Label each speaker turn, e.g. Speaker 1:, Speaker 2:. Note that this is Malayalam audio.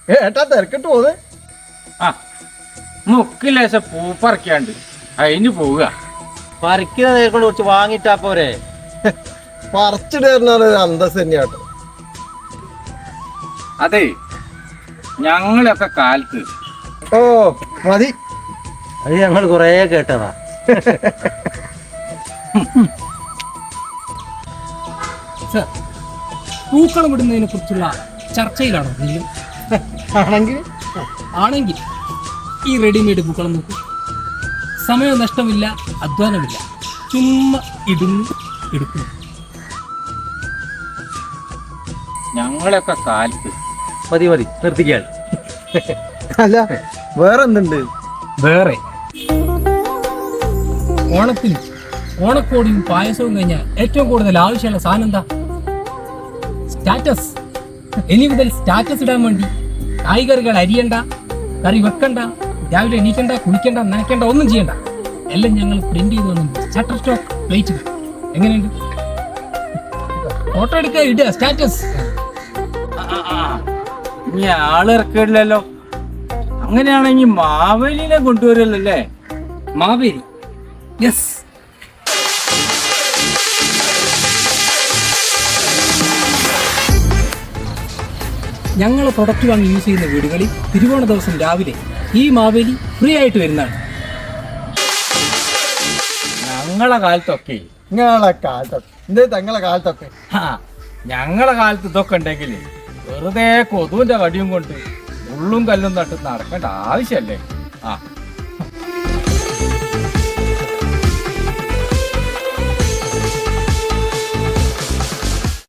Speaker 1: ഏട്ടാ തിരക്കിട്ട് പോന്ന്.
Speaker 2: ആ മുക്കിലേശം പൂപ്പറക്കാണ്ട് അതിന് പോവുക.
Speaker 3: പറിക്കുന്ന നേരിക്കൊണ്ട് കുറച്ച് വാങ്ങിട്ടാ പോരെ.
Speaker 1: പറിച്ചിടുന്ന അന്തസ് തന്നെയാട്ടോ.
Speaker 2: അതെ ഞങ്ങളൊക്കെ കാലത്ത്
Speaker 1: ഓ മതി.
Speaker 3: അത് ഞങ്ങൾ കൊറേ കേട്ടതാ.
Speaker 4: സർ, പൂക്കളം ഇടുന്നതിനെ കുറിച്ചുള്ള ചർച്ചയിലാണോ നിങ്ങൾ? ആണെങ്കിൽ ഈ റെഡിമെയ്ഡ് പൂക്കളം നോക്കൂ. സമയം നഷ്ടമില്ല, അധ്വാനമില്ല, ചുമ്മാ ഇടുന്നു എടുക്കുന്നു.
Speaker 2: ഞങ്ങളൊക്കെ കാലത്ത്
Speaker 3: മതി മതി നിർത്തിക്കാൻ.
Speaker 1: അല്ല വേറെന്തുണ്ട്?
Speaker 4: വേറെ ഓണത്തിന് ഓണക്കോടിയും പായസവും കഴിഞ്ഞാൽ ഏറ്റവും കൂടുതൽ ആവശ്യമുള്ള സാധനം എന്താ? സ്റ്റാറ്റസ്. ഇനി മുതൽ സ്റ്റാറ്റസ് ഇടാൻ വേണ്ടി കായ്കറികൾ അരിയണ്ട, കറി വെക്കണ്ട, രാവിലെ എണീക്കണ്ട, കുളിക്കണ്ട, നനയ്ക്കണ്ട, ഒന്നും ചെയ്യണ്ട. എല്ലാം ഞങ്ങൾ പ്രിന്റ് ചെയ്ത് വന്നു ഷട്ടർ സ്റ്റോക്ക് പ്ലേറ്റ്. എങ്ങനെയുണ്ട്? ഫോട്ടോ എടുക്കുക, ഇടുക, സ്റ്റാറ്റസ്.
Speaker 2: ഇനി ആളിറക്കില്ലല്ലോ. അങ്ങനെയാണെങ്കിൽ മാവേലിനെ കൊണ്ടുവരല്ലോ അല്ലേ?
Speaker 4: മാവേലി, യെസ്. ഞങ്ങൾ പ്രൊഡക്റ്റ് വാങ്ങി യൂസ് ചെയ്യുന്ന വീടുകളിൽ തിരുവോണ ദിവസം രാവിലെ ഈ മാവേലി ഫ്രീ ആയിട്ട് വരുന്നതാണ്.
Speaker 2: ഞങ്ങളെ കാലത്തൊക്കെ
Speaker 1: നിങ്ങളെ കാലത്തൊക്കെ എന്തേ തങ്ങളെ കാലത്തൊക്കെ
Speaker 2: ഞങ്ങളെ കാലത്ത് ഇതൊക്കെ ഉണ്ടെങ്കിൽ വെറുതെ കൊതുവിന്റെ കടിയും കൊണ്ട് ഉള്ളും കല്ലും നട്ട് നടക്കേണ്ട ആവശ്യമല്ലേ? ആ